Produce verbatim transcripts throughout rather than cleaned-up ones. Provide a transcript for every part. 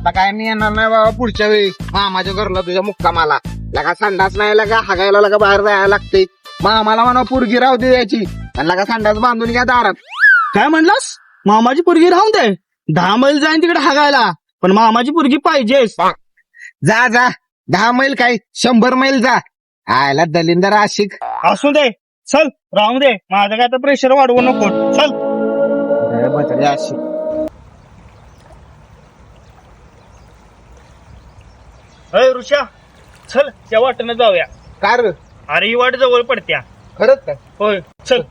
आता काय मी येणार नाही बाबा पुढच्या वेळी मामाच्या घरला तुझ्या मुक्कामाला. लगा संडास नाही लगा हागायला लगा बाहेर जायला लागते. मामाला म्हणा पोरगी राहू दे याची आणि लगा संडास बांधून घ्या दारात. काय म्हणलास? मामाची पोरगी राहून दे. दहा मैल जाईन तिकडे हागायला, पण मामाची पोरगी पाहिजेच. जा जा दहा मैल काय शंभर मैल जा. आयला दलिंदर आशिक. असू दे, चल राहू दे. माझं काय तर प्रेशर वाढवू नको. चल बसले आशिक. अय ऋषा, चल त्या वाटेनं जाऊया. कार अरे ही वाट जवळ पडत्या. खरंच काय? होय चल.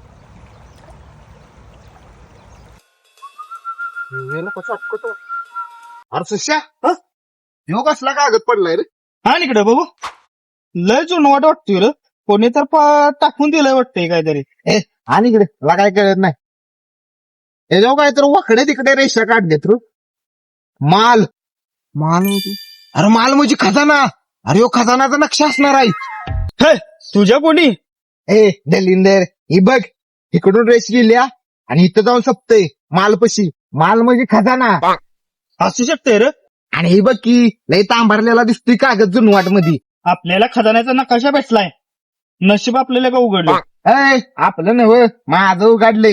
अरे सुश्या ह्यो कसला कागद पडलाय रे? हा इकडे बघू. लय जुनं वाट वाटतोय रे. कोणी तर पा- टाकून दिलंय वाटतंय काहीतरी. ए आणि इकडे मला काय कळत नाही. हे जाऊ काय तर वाकडे तिकडे रेषा काढलेत रू. माल माल म्हणजे अरे माल म्हणजे खजाना. अरे ह्यो खजानाचा नक्षा असणार आहे. हे, तुझ्या कोणी? ए दलिंदर ही बघ इकडून रेस गेल्या आणि इथं जाऊन सपतय मालपशी. माल म्हणजे खजाना. असू शकते रे. आणि ही बघ की लय तांभारलेला दिसतोय कागद जुनवाट मध्ये. आपल्याला खजान्याचा नकाशा भेटलाय. नशीब आपल्याला का उघडलं. ए आपलं नव माझं उघडले.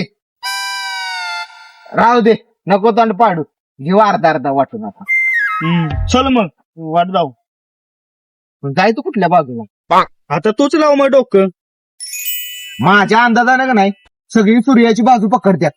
राहू दे नको तोंड पाडू. घेऊ अर्धा अर्धा वाटून आता. हम्म, चल मग वाट जाऊ. पण जाय तू कुठल्या बाजूला? आता तूच लाव मग डोकं. माझ्या अंदाजानं का नाही सगळी सूर्याची बाजू पकडत्यात.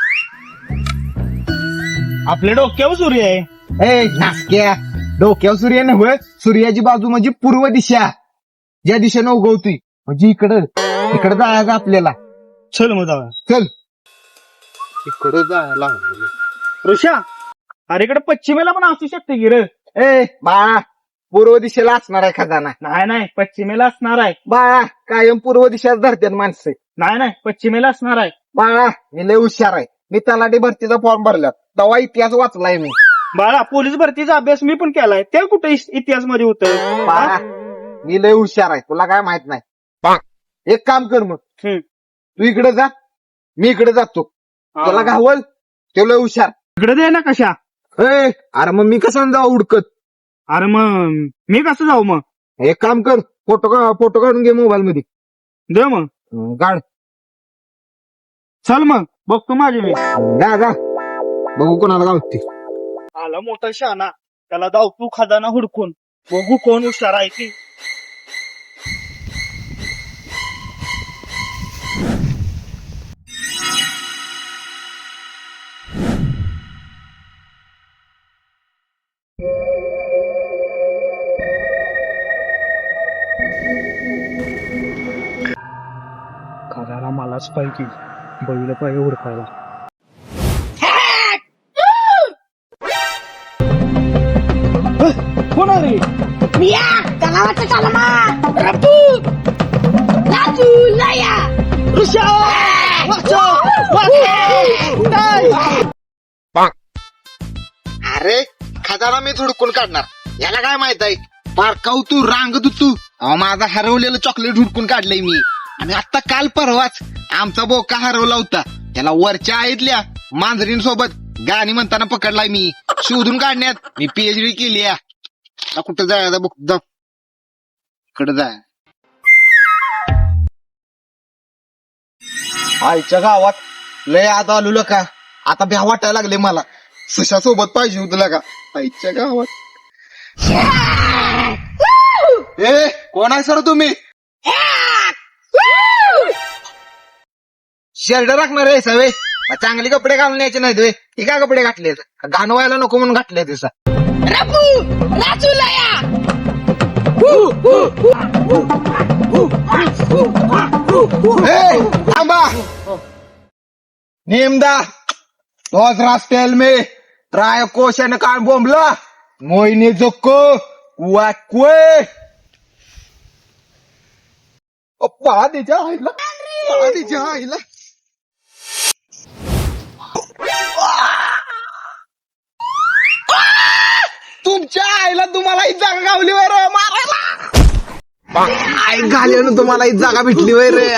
आपल्या डोक्यावर सूर्य आहे. ए नासक्या डोक्यावर सूर्य नव्हे. सूर्याची बाजू म्हणजे पूर्व दिशा. ज्या दिशेनं उगवतोय म्हणजे इकडं इकडं जायचं आपल्याला. चल मग जाऊया. चल इकडं जायला. ऋषा, अरे इकडे पश्चिमेला पण असू शकते की रे. ए बाळा पूर्व दिशेला असणार आहे खजाना. नाही नाही, पश्चिमेला असणार आहे. बाळा कायम पूर्व दिशेला धरतात माणसं. नाही नाही, पश्चिमेला असणार आहे. बाळा मी लय हुशार आहे. मी तलाठी भरतीचा फॉर्म भरला तेव्हा इतिहास वाचलाय मी. बाळा पोलीस भरतीचा अभ्यास मी पण केलाय. ते कुठे इतिहास मध्ये होतं. बाळा मी लय हुशार आहे. तुला काय माहित नाही. एक काम कर मग हम्म. तू इकडे जा मी इकडे जातो. तुला घावल ते लय हुशार. इकडे दे ना कशा. ए अरे मग मी कसं जाऊ उडकत. अरे मग मी कसं जाऊ मग. एक काम कर फोटो का फोटो काढून घे मोबाईल मध्ये. दे मग. हं, काढ. चल मग बघतो माझे मी. जा जा बघू कोणाला गावते. आला मोठा शहाणा. त्याला जाऊ तू खजाना हुडकून. बघू कोण हुशार आहे ती. खजाना मलाच पाहिजे. बघितलं पाहिजे हुडकायला. कोण आले? मिया तलावाचा चालमा रपू राजू लया ऋषा, वाचो, अरे खजाना मी हुडकून काढणार. याला काय माहित आहे. पारकाऊ तू रांगत तू. अहो माझा हरवलेलं चॉकलेट हुडकून काढलंय मी. आणि आता काल परवाच आमचा बोका हरवला होता. त्याला वरच्या आईतल्या मांजरींसोबत गाणी म्हणताना पकडलाय मी. शोधून काढण्यात मी पीएचडी केली. आता कुठं जायचं बघ जा इकडे जाय. आईच्या गावात लय आता आलो का. आता भ्या वाटायला लागले मला. सुशा सोबत पाहिजे होतं का आईच्या गावात. ए कोण आहे सर तुम्ही? शर्ट राखणार आहे सवे. चांगले कपडे घालून यायचे नाहीत वे. हे काय कपडे घातले गाणं व्हायला नको म्हणून घातले दिवसा. रपू राजू लया थांबा नेमदा तोच रास्तेल मे ट्राय कोशन कान बोंबला मोहिनी जोको वाकवे पहा तिच्या आईला पहा तिच्या आईला. तुमच्या आईला तुम्हाला ही जागा गावली वर मारायला. आई घाल्यानं तुम्हाला ही जागा भेटली वय रे.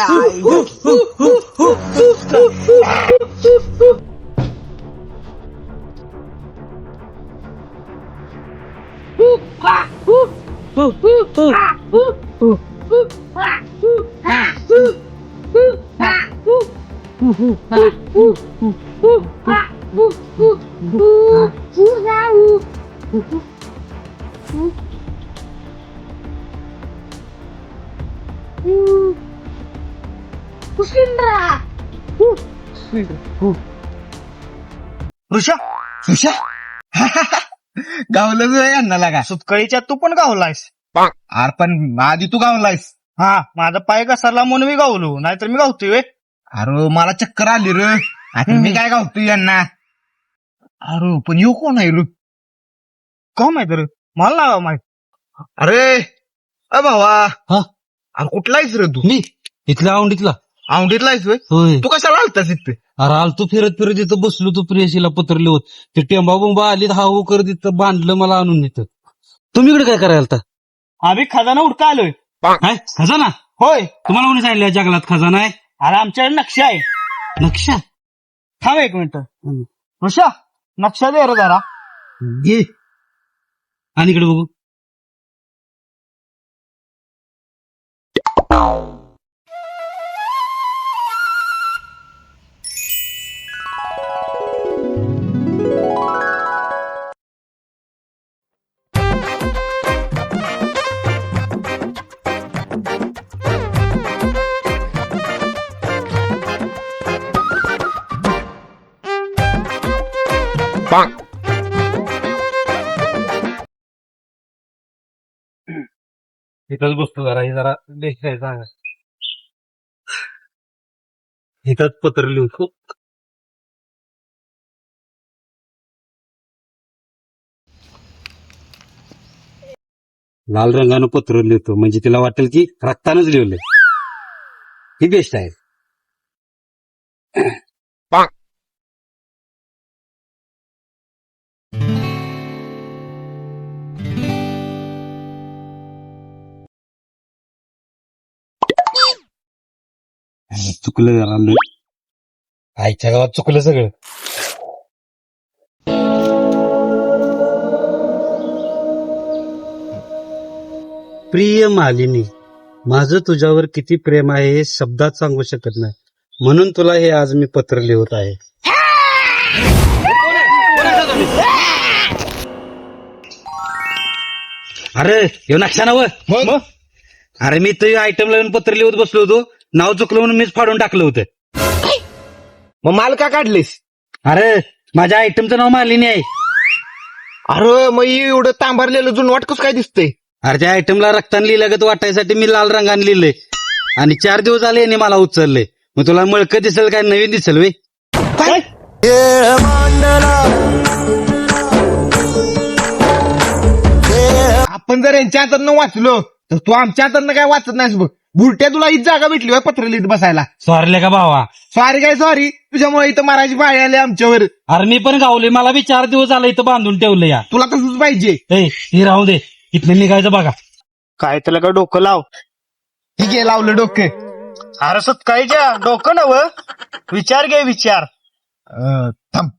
ऋषा सुशा गावलं जो यांना लागा सुतकळीच्या तू पण गावलायस अरे पण आधी तू गावलायस. हा माझा पाय घसरला म्हणून मी गावलो, नाहीतर मी गावतोय व्हय. अरे मला चक्कर आली रे. आता मी काय गावतोय यांना. अरे पण येऊ कोण आहे रे? का माहित रे, मला नाही माहित. अरे अ भावा हा? अरे कुठलायस रे तू? मी इथल्या औंडीतला. औंढीतलायस होय? होय. तू कशाला आलतास इथे? अरे आलतो फिरत फिरत इथं बसलो तो प्रियशीला पत्र लिहत. ते टेंबा बुंबा आलीत हा हो करत इथं बांधलं मला आणून इथं. तुम्ही इकडे काय करायला आलता? आम्ही खजाना उडका आलोय. काय खजाना? होय, तुम्हाला कोणी सांगितलं या जंगलात खजाना आहे? अरे आमच्याकडे नक्षा आहे. नक्षा? थांब एक मिनिट. ऋषा नक्षा दे रे जरा. घे आणि इकडे बघू. इथंच बसतो जरा, हे जरा देखाय सांगा. इथंच पत्र लिहतो. लाल रंगानं पत्र लिहितो म्हणजे तिला वाटेल की रक्तानच लिहिलंय. ही बेस्ट आहे. चुकलं जरा लय. आईच्या गावात चुकलं सगळं. प्रिय मालिनी, माझं तुझ्यावर किती प्रेम आहे हे शब्दात सांगू शकत नाही, म्हणून तुला हे आज मी पत्र लिहत आहे. अरे हे नक्षा नव. अरे मी तुझ्या आयटम लावून पत्र लिहत बसलो होतो, नाव चुकलं म्हणून मीच फाडून टाकलं होतं. मग माल का काढलेस? अरे माझ्या आयटमचं नाव मालिनी आहे. अरे मग एवढं तांबरलेलं जुन वाटकच काय दिसतंय? अरे त्या आयटमला रक्तान लिहिल्यागत वाटायसाठी मी लाल रंगाने लिहिलंय आणि चार दिवस आले याने मला उचलले. मग तुला मळकं दिसेल काय नवीन दिसेल वे? काय आपण जर यांच्या हातानं वाचलो तर तू आमच्या हातानं काय वाचत नाहीस बघ. बुरट्या तुला ही जागा भेटली होय पत्र लिहित बसायला. सॉरी का भावा? सॉरी काय सॉरी, तुझ्यामुळे इथं मारायची पाळी आली आमच्यावर. अरे मी पण गावले, मला बी चार दिवस आलं इथं बांधून ठेवलं या. तुला तसंच पाहिजे. ए हे राहू दे, इथनं निघायचं बघा. काय त्याला का डोकं लाव. ठीक आहे लावलं डोके. अरे सुतकाळीच्या डोकं नव, विचार घे विचार. अं, थांब.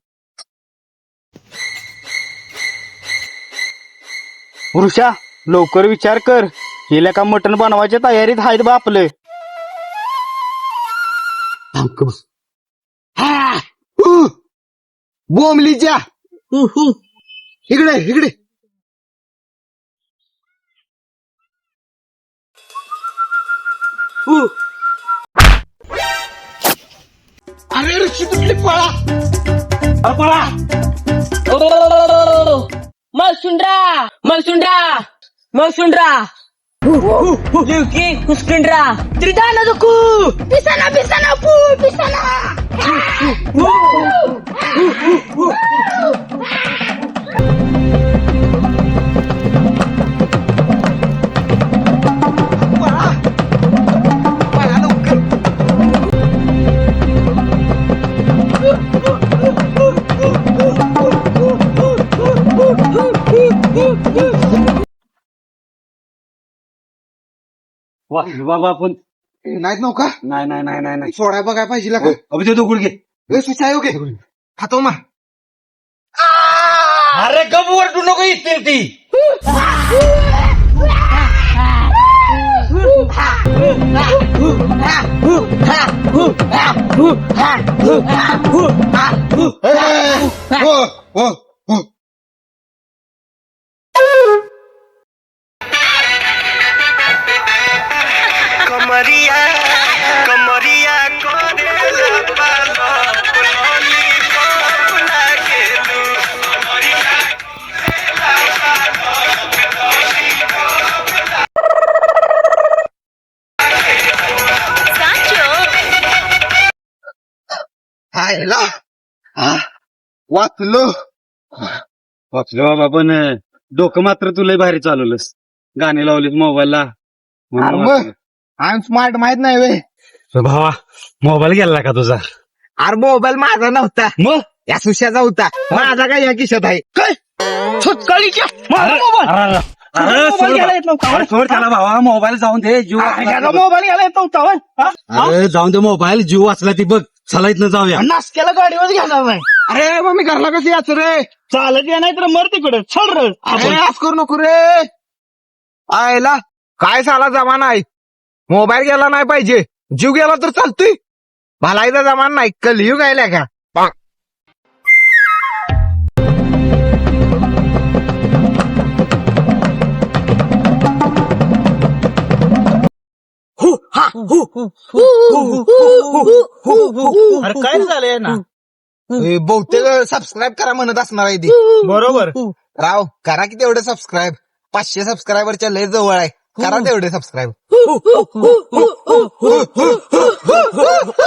ऋषा लवकर विचार कर. गेल्या का मटण बनवायच्या तयारीत आहेत बा आपले. उ, बोंबलीच्या इकडे इकडे. उ. अरे ऋषी तुटली पळा. अरे पळा. मलसुंड्रा मलसुंड्रा मलसुंड्रा लिवकी हुसकिंड्रा त्रिदाना दुकू पिसाना पिसाना पू पिसाना. पळा लवकर. वा बाबा आपण नाहीत नव्हता नाही नाही नाही नाही नाही. सोडा बघाय पाहिजे का? अभिषेक तो गुडघे. ए, सुचाय ओके खातो मा. अरे गप वरटू नको इथे ती. हो हो हो कमरिया कमरिया करेला पालो पुलोली कोला गेलू कमरिया हायला हा, वाचलो वाचलो बाबा पण डोकं मात्र तुला भारी चालवलंस गाणी लावलीस मोबाईलला अरे मग आय एम स्मार्ट माहित नाही वे भावा मोबाईल गेला का तुझा अरे मोबाईल माझा नव्हता मग या सुशाचा होता माझा काय या खिशात आहे काय सकाळीच्या माझा मोबाईल अरे मोबाईल घ्यायला येत नव्हता अरे सोड त्याला भावा मोबाईल जाऊन दे जीव अरे, वाचला त्याचा ती बघ. मोबाईल घ्यायला येत नव्हता होय? हा? अरे जाऊन दे मोबाईल जीव वाचला ती बघ चला इथनं जाऊया नाश्त्याला गाडीवर घेणार नाही अरे मग मी घरला कशी याच रे चालत या नाही तर मर तिकडे चल रे अरे आज करू नको रे आयला काय साला जमाना आहे मोबाईल गेला नाही पाहिजे जीव गेला तर चालतोय भलाईचा जमाना नाही कलियुग आहे का अरे काय झालंय ना हे बहुतेक सबस्क्राईब करा म्हणत असणार आहे ती बरोबर राव करा की तेवढे सबस्क्राईब पाचशे सबस्क्रायबरच्या लय जवळ आहे करा तेवढे सबस्क्राईब